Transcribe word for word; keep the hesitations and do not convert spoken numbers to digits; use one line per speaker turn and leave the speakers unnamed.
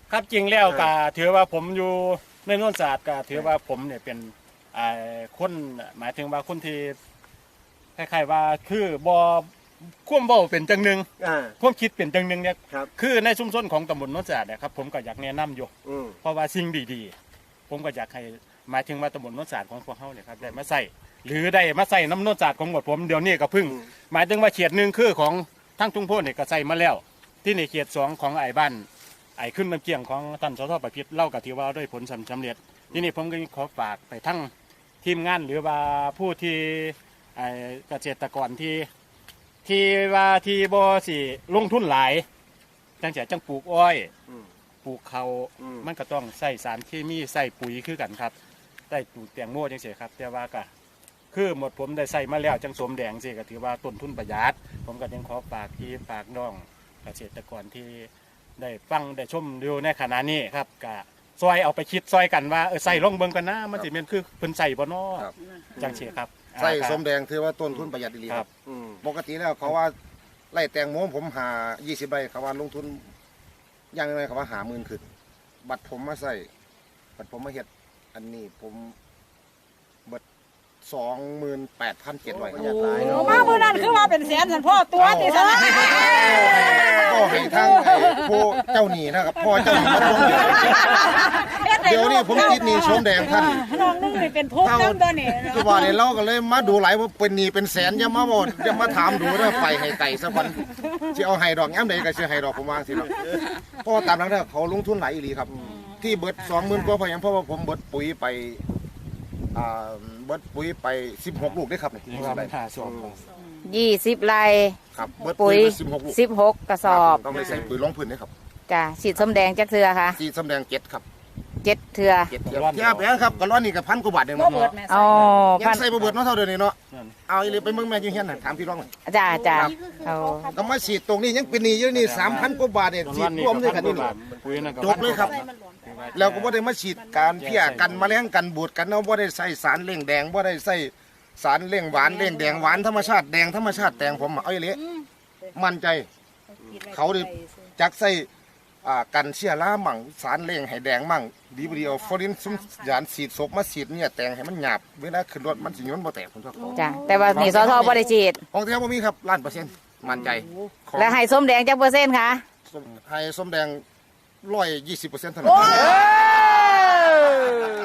ครับจริงแล้วก็ถือว่าผมอยู่ในโนนศาสตร์ก็ถือว่าผมเนี่ยเป็นคนหมายถึงว่าคนที่คล้ายๆว่าคือบ่ควบเว้าเป็นจังหนึ่งควบคิดเป็นจังหนึ่งเนี่ยคือในชุมชนของตำบลโนนศาสตร์เนี่ยครับผมก็อยากแนะนำอยู่เพราะว่าสิ่งดีๆผมก็อยากให้หมายถึงว่าตำบลโนนศาสตร์ของพวกเขาเนี่ยครับได้มาใส่หรือได้มาใส่น้ำโนนศาสตร์ของหมดผมเดี๋ยวนี้ก็พึ่งหมายถึงว่าเขตหนึ่งคือของทั้งทุ่งโพนเนี่ยก็ใส่มาแล้วที่ในเขตสองของไอ้บ้านไอ้ขึ้นน้ำเกี่ยงของท่านสสประพิษเล่ากับที่ว่าด้วยผลสำเร็จที่นี่ผมก็ขอฝากไปทั้งทีมงานหรือว่าผู้ที่เกษตรกรที่ที่ว่าที่บ่สิลงทุนหลายจังแต่จังปลูกอ้อยปลูกเขามันก็ต้องใส่สารเคมีใส่ปุ๋ยคือกันครับได้ปลูกแตงโมจังเสียครับแต่ว่าก็คือหมดผมได้ใส่มาแล้วจังสมแดงสิก็ถือว่าต้นทุนประหยัดผมก็ยังขอฝากที่ฝากน้องเกษตรกรที่ได้ฟังได้ชมดูในขณะนี้ครับก็ซอยเอาไปคิดซอยกันว่าเออใส่ลงเบิ่งกันนะมันสิเป็นคือเพิ่นใส่บ่น้อจังเสียครับ
ใส่สมแดงถือว่าต้นทุนประหยัดดีครับปกติแล้วเขาว่าไร่แตงโมผมหายี่สิบไร่เขาว่าลงทุนอย่างไรเขาว่าหาหมื่นขึ้นบัตรผมมาใส่บัตรผมมาเฮ็ดอันนี้ผมบัตรสองหมื่นแปดพันเจ็ดร้อยยาตาย
โอ้มาเมื่อนั้นคือว่าเป็นแสนสันพ่อตัวติสนะ
ก็ให้ทั้งผู้เจ้าหนี้นะครับพ่อเจ้าหนี้มาลงเดี๋ยวนี้ผมคิดหนี้สมแดงท่าน
น้องนึงนี่เป็นทุกข์ตั้งตัวนี่
คือว่าเนี่ยเราก็เลยมาดูหลายว่าเป็นหนี้เป็นแสนอย่ามาบอกอย่ามาถามดูนะไปให้ไก่สักวันที่เอาไห้ดอกย้ำใดก็เชื่อไห้ดอกผมวางสิครับเพราะตามนั้นเนี่ยเขาลงทุนหลายอีหลีครับที่เบิดสองหมื่นกว่าพอยังเพราะว่าผมเบิดปุ๋ยไปอ่าเบิดปุ๋ยไปสิบหกลูกได้ครับนี่
ยี่สิบไร่
ครับเบิด
ปุ๋ย
สิบหกลูก
สิบหกกระสอบ
ต้องไปใส่ปุ๋ยลงพื้นนี่ครับ
จ้ะฉีดส้มแดงจักเทือค่ะ
ฉีดส้มแดงเจ็ดครับ
เจ็ดเทือ
เจ็ดเทือเทียบแล้วครับกระร้อนนี่กับพันกว่าบาทเองเนาะ
อ๋อ
ยังใส่บ่เบิดเนาะเท่าเดิมนี่เนาะเอาอีหลีไปเมืองแม่ยูเฮียนน่ะถามพี่ร้องเลย
จ้าจ้าเอา
ก็มาฉีดตรงนี้ยังเป็นหนี้อยู่นี่สามพันกว่าบาทเนี่ยฉีดรวมด้วยกันนี่จบเลยครับแล้วก็บ่ได้มาฉีดการเพี้ยกันแมลงกันบูดกันเนาะบ่ได้ใส่สารเร่งแดงบ่ได้ใส่สารเร่งหวานเร่งแดงหวานธรรมชาติแดงธรรมชาติแดงผมเอาอีหลีมั่นใจเขาดิจักใส่กันเชื้อรามั่งสารเร่งให้แดงมั่งดีบดีเอาฟอรินซุ่มยานสีดศพมาสีดเนี่ยแตงให้มันหยาบเวลาขึ้นรถมันสิย้อนบ่แตกผมชอบเขา
จ้ะแต่ว่านี่สทบ่ได้ฉีด
ของแท้บ่มีครับล้านเปอร์เซ็นต์มั่นใจ
แล้วให้ส้มแดงจักเปอร์เซ็นต์คะ
ให้ส้มแดงร้อยยี่สิบเปอร์เซ็นต์เท่านั้น